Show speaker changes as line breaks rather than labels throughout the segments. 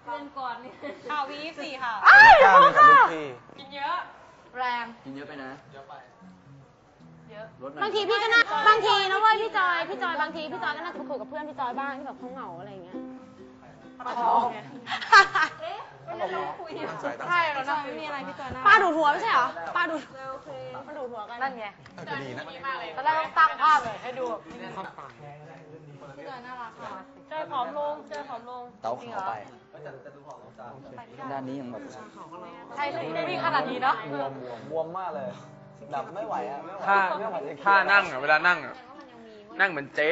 เดือนก่อนนี่ข่าววี4ค่ะ
กล้ามีกับลูกพี่
กินเยอะแรง
กินเยอะไปนะเยอะไปเยอะ
บางทีพี่ก็น่าบางทีนะเว้ยพี่จอยบางทีพี่จอยก็น่าคุยกับเพื่อนพี่จอยบ้างที่แบบเขาเหงาอะไรอย่างเงี้ย
ใช่เรานั่งไม่มีอะไรพี่จอยน่า
ป้าดูดหัวไม่ใช่เหรอป้าดูดหัวกัน
นั่นไง
จะดีนะ
ตอนแรกต้องตั้งภาพเลยให้ดูพี่จอยน่ารักค่ะจอยผอมลง
เต้าขาวไปด้านนี้ยังแบบ
ใช่เลยวิ่งขนาดนี้เนาะ
บวมมากเลยแบบไม่ไหวอ่ะ
ถ้านั่งอ่ะเวลานั่งอ่ะนั่งเหมือนเจ๊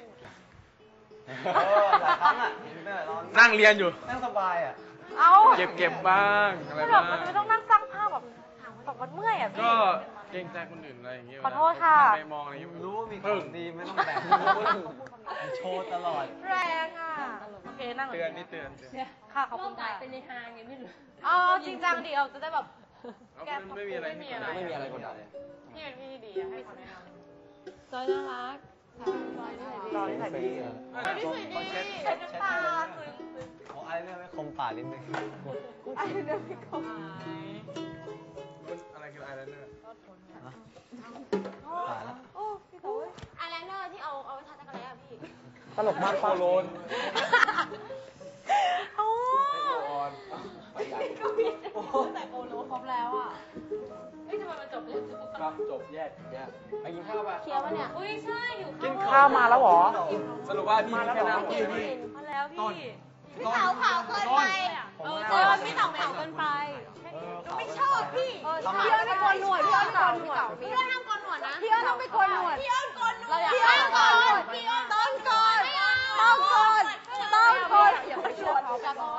หลายครั้งอ่ะ
นั่งเรียนอยู่
นั่งสบายอ่ะ
เอา
เก็บบ้างอะไรบ้าง
มันไม่ต้องนั่งสร้างภาพแบบมันเมื่อยอ่ะพี่
ก็เกรงใจคนอื่นอะไรอย่างเงี้ย
ขอโทษค่ะ
ไปมองอะไรอย่างเงี้ย
รู้ว่ามีของดีไม่ต้องแบ่งโชว์ตลอด
แรงอ่ะโอเคนั่ง
เตือนนี่เตือน
ค่ะขอบคุณค่ะเป็นในทางไงไม่รู้อ๋อจริงจังดีเอาจะได้แบบ
แกไม่มีอะไร
กดดันเลย
พี่เป็นพี่ดีให้คำแนะนำ
จอยน่ารัก
รอที่ไหนดีที่สุดดีเช็ดน้ำตา
เอาไอ้เนี่ยไม่คมปากนิดนึง
ไอ้เนี่ยไม่คม
อะไรคือไอไลเนอร์
ตายแล้ว
โอ้พี่โต้ย
อายไลเนอร์ที่เอาไว้ทาจักรแร้พี่
ตลกมากป้าโลน
โอ้ก็มีแต่โอโลครบแล้วอ่ะเฮ้ยทำไมมันจบเลย
ครับจบแยกไปกินข้าวป่ะ
เคี้ยวปะเนี่ย
อุ้ยใช่อยู่
กินข้าวมาแล้วหรอสรุปว่าพี่แค่น้ำพี่
มาแล้วพี่
พี่เผาเกินไปพี่เผาเกินไปไม่ชอบพี่พี่อ้อนไม่โกนหนวดพี่อ้อนโกนหนวดพี่อ้อนต้องโกนหนวดนะพี่อ้อนต้องไปโกนหนวดพี่อ้อนโกนหนวดพี่อ้อนโกนพี่อ้อนต้องโกนอย่าไปชวนเขา